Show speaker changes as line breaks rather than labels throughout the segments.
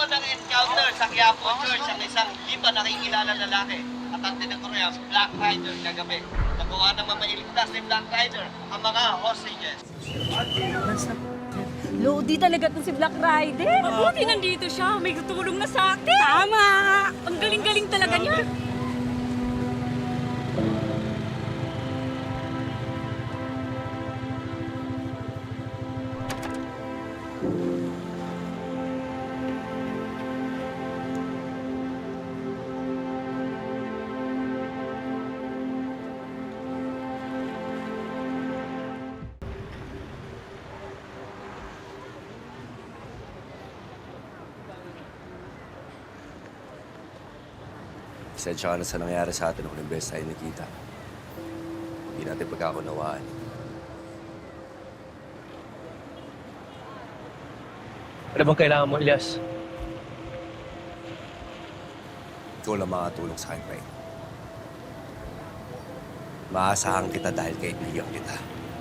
ng encounter sa Quiapo Church ang isang di pa nakikilala lalaki at ang tinaguriang Black Rider kagabi. Nagawa naman mailigtas ni Black Rider ang mga hostages.
Lodi talaga to si Black Rider.
Mabuti nandito siya. May tutulong na sa akin. Tama! Ang galing-galing talaga niya.
Pasensya ka na sa nangyari sa atin kung imbes tayo nakita. Hindi natin pagkakunawaan.
Ano bang kailangan mo, Elias?
Ikaw lang makatulong sa akin, Ray. Maasahan kita dahil kaibigan kita.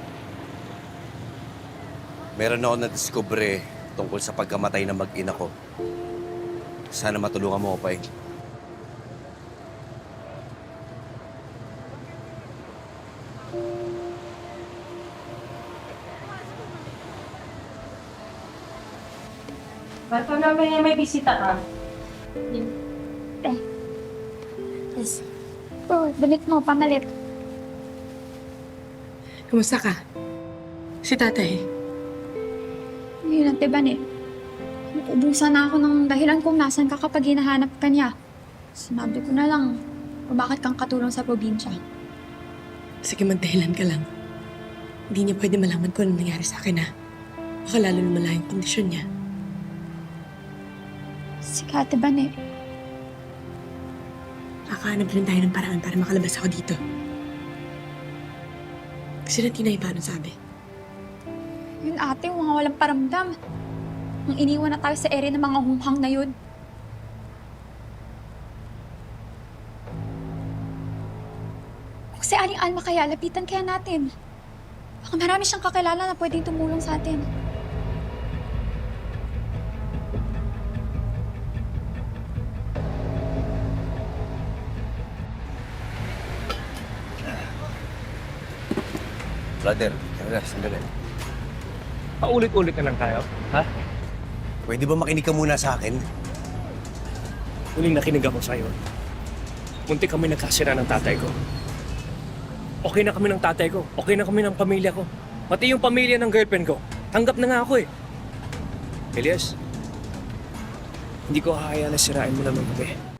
Meron ako na-discover tungkol sa pagkamatay ng mag-ina ko. Sana matulungan mo ko, Pai.
Ba't namin may bisita ka?
Yes. Damit mo, pamalit.
Kumusta ka? Si tatay.
Ngayon, Ate Ban ubusan na ako ng dahilan kung nasan ka kapag hinahanap ka niya. Sinabi ko na lang, bakit kang katulong sa probinsya.
Sige, magdahilan ka lang. Hindi niya pwede malaman kung ano nangyari sa akin, ha? Baka lalo lumala yung kondisyon niya.
Sige, Ate Ban
Kakahanap rin tayo ng paraan para makalabas ako dito. Kasi na Tinay, paano sabi?
Yun ate, yung mga walang paramdam. Nung iniwan na tayo sa area ng mga humhang na yun. Kung si Aling Alma kaya, lapitan kaya natin. Baka marami siyang kakilala na pwedeng tumulong sa atin.
Brother, sandali.
Paulit-ulit na lang tayo, ha?
Pwede ba makinig ka muna sa akin?
Huling nakinig ako sa'yo. Munti kami nagkasira ng tatay ko. Okay na kami ng tatay ko. Okay na kami ng pamilya ko. Pati yung pamilya ng girlfriend ko. Tanggap na nga ako eh. Elias, hindi ko hahayaan na sirain mo naman kami.